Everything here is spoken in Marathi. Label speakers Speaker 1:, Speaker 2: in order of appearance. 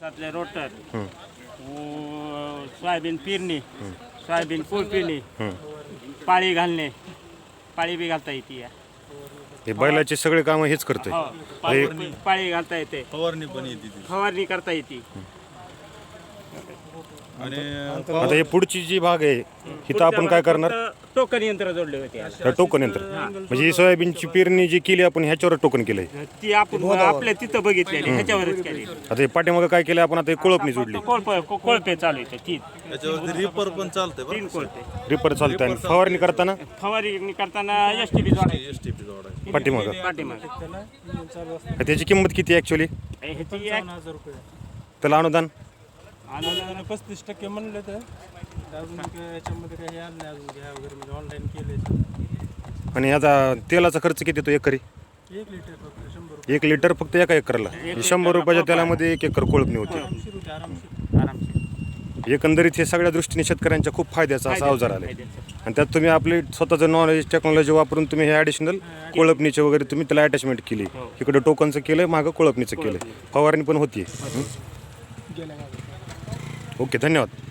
Speaker 1: आपले रोटर सोयाबीन पेरणी सोयाबीन पेरणी पाळी घालणे पाळी बी घालता येते
Speaker 2: हे बैलाचे सगळे कामं हेच करतोय.
Speaker 1: पाळी घालता येते
Speaker 3: फवारणी पण येते ती.
Speaker 1: फवारणी करता येते.
Speaker 3: आणि
Speaker 2: आता हे पुढची जी भाग आहे इथं आपण काय करणार?
Speaker 1: टोकन यंत्र जोडले होते
Speaker 2: तर टोकन यंत्र म्हणजे ही सोयाबीनची पेरणी जी केली आपण ह्याच्यावर टोकन केलंय.
Speaker 1: ती आपण आपल्या तिथं बघितलेली ह्याच्यावरच केली.
Speaker 2: आता हे पाठीमागं काय केलं आपण? आता हे कोळपणी जोडली.
Speaker 1: कोळपे चालू येते तीन
Speaker 3: त्याच्यावरती रिपर पण चालतंय बरं.
Speaker 1: 3 कोळपे.
Speaker 2: रिपर चालतंय आणि फवारणी करताना
Speaker 1: फवारणी करताना STP जोडायची
Speaker 3: STP जोडायची.
Speaker 2: पाठीमागं.
Speaker 1: पाठीमागे
Speaker 2: त्याची किंमत किती ऍक्च्युअली?
Speaker 1: ह्याची
Speaker 4: 5000 रुपये
Speaker 2: त्याला अनुदान
Speaker 4: अनुदान 35% म्हणलं तर अजून याच्यामध्ये काही आलं नाही अजून घ्या वगैरे म्हणजे ऑनलाईन केले.
Speaker 2: आणि आता तेलाचा खर्च किती येतो एकरी?
Speaker 4: 1 लिटर फक्त 100 रुपये
Speaker 2: 1 लिटर फक्त एका एकरला. 100 रुपयाच्या तेलामध्ये 1 एकर कोळपणी होते.
Speaker 4: आरामशीर होते आरामशीर.
Speaker 2: एकंदरीत हे सगळ्या दृष्टीने शेतकऱ्यांच्या खूप फायद्याचा असा अवजार आला आणि त्यात तुम्ही आपले स्वतःचं नॉलेज टेक्नॉलॉजी वापरून तुम्ही हे ॲडिशनल कोळपणीचे वगैरे तुम्ही त्याला अटॅचमेंट केली. इकडे टोकनचं केलं, मागं कोळपणीचं केलं, फवारणी पण होती. ओके, धन्यवाद.